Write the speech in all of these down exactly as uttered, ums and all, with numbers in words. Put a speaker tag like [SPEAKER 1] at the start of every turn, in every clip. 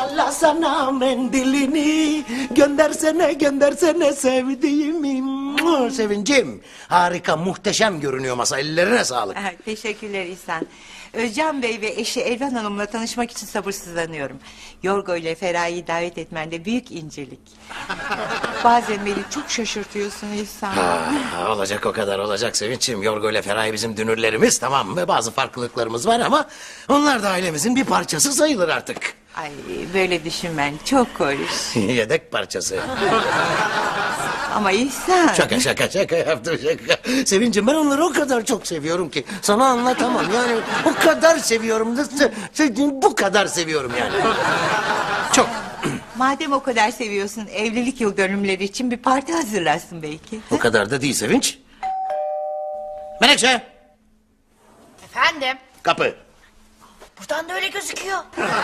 [SPEAKER 1] Sallasana mendilini, göndersene göndersene sevdiğimi. Mua, Sevincim, harika, muhteşem görünüyor masa, ellerine sağlık.
[SPEAKER 2] Ha, teşekkürler İhsan. Özcan Bey ve eşi Elvan Hanım'la tanışmak için sabırsızlanıyorum. Yorgo ile Feraye'yi davet etmende büyük incelik. Bazen beni çok şaşırtıyorsun İhsan.
[SPEAKER 1] Ha, olacak o kadar olacak Sevinç'im. Yorgo ile Feraye bizim dünürlerimiz, tamam mı? Bazı farklılıklarımız var ama onlar da ailemizin bir parçası sayılır artık.
[SPEAKER 2] Ay, böyle düşünmen çok hoş.
[SPEAKER 1] Yedek parçası.
[SPEAKER 2] Ama İhsan...
[SPEAKER 1] Şaka şaka şaka yaptım şaka. Sevincim, ben onları o kadar çok seviyorum ki sana anlatamam. Yani o kadar seviyorum da se- se- bu kadar seviyorum yani. Çok.
[SPEAKER 2] Madem o kadar seviyorsun, evlilik yıl dönümleri için bir parti hazırlarsın belki.
[SPEAKER 1] O kadar da değil Sevinç. Menekşe,
[SPEAKER 3] Efendim?
[SPEAKER 1] kapı.
[SPEAKER 3] Buradan da öyle gözüküyor.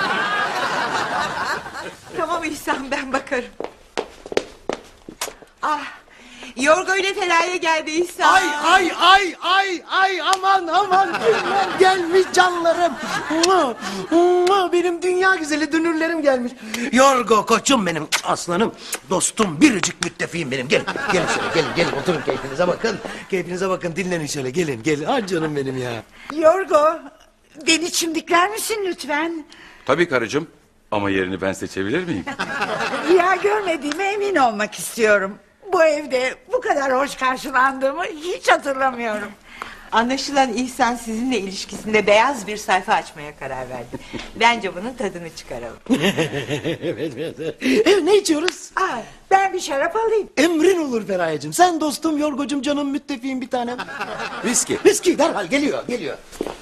[SPEAKER 2] Tamam İhsan, ben bakarım. Ah, Yorgo ile Feraye geldi İhsan.
[SPEAKER 1] Ay ay ay ay ay aman aman kimler gelmiş canlarım. Mua, mua, benim dünya güzeli dünürlerim gelmiş. Yorgo koçum benim, aslanım, dostum, biricik müttefiğim benim. Gelin gelin şöyle, gelin gelin oturun, keyfinize bakın. Keyfinize bakın, dinlenin şöyle, gelin gelin. Ay canım benim ya.
[SPEAKER 4] Yorgo, beni çimdikler misin lütfen?
[SPEAKER 5] Tabii karıcığım. Ama yerini ben seçebilir miyim?
[SPEAKER 4] Rüya görmediğime emin olmak istiyorum. Bu evde bu kadar hoş karşılandığımı hiç hatırlamıyorum.
[SPEAKER 2] Anlaşılan İhsan sizinle ilişkisinde beyaz bir sayfa açmaya karar verdi. Bence bunun tadını çıkaralım.
[SPEAKER 1] Evet evet. Evet, ne içiyoruz?
[SPEAKER 4] Aa, ben bir şarap alayım.
[SPEAKER 1] Emrin olur Feraye'cim. Sen dostum, Yorgocum, canım, müttefiğim bir tanem.
[SPEAKER 5] Viski.
[SPEAKER 1] Viski derhal geliyor geliyor.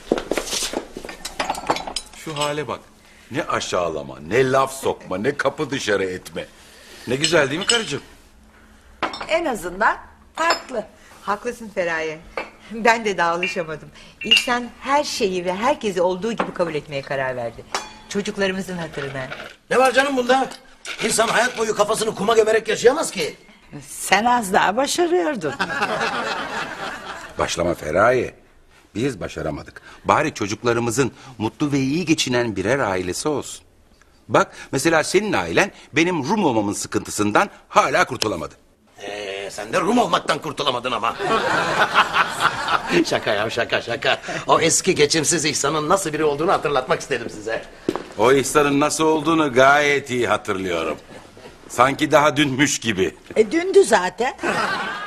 [SPEAKER 5] Şu hale bak. Ne aşağılama, ne laf sokma, ne kapı dışarı etme. Ne güzel değil mi karıcığım?
[SPEAKER 4] En azından farklı.
[SPEAKER 2] Haklısın Feraye. Ben de daha alışamadım. İhsan her şeyi ve herkesi olduğu gibi kabul etmeye karar verdi. Çocuklarımızın hatırına.
[SPEAKER 1] Ne var canım bunda? İnsan hayat boyu kafasını kuma gömerek yaşayamaz ki.
[SPEAKER 4] Sen az daha başarıyordun.
[SPEAKER 5] Başlama Feraye. Biz başaramadık. Bari çocuklarımızın mutlu ve iyi geçinen birer ailesi olsun. Bak mesela senin ailen benim Rum olmamın sıkıntısından hala kurtulamadı.
[SPEAKER 1] Ee, sen de Rum olmaktan kurtulamadın ama. Şaka ya, şaka şaka. O eski geçimsiz İhsan'ın nasıl biri olduğunu hatırlatmak istedim size.
[SPEAKER 5] O İhsan'ın nasıl olduğunu gayet iyi hatırlıyorum. Sanki daha dünmüş gibi.
[SPEAKER 4] E dündü zaten.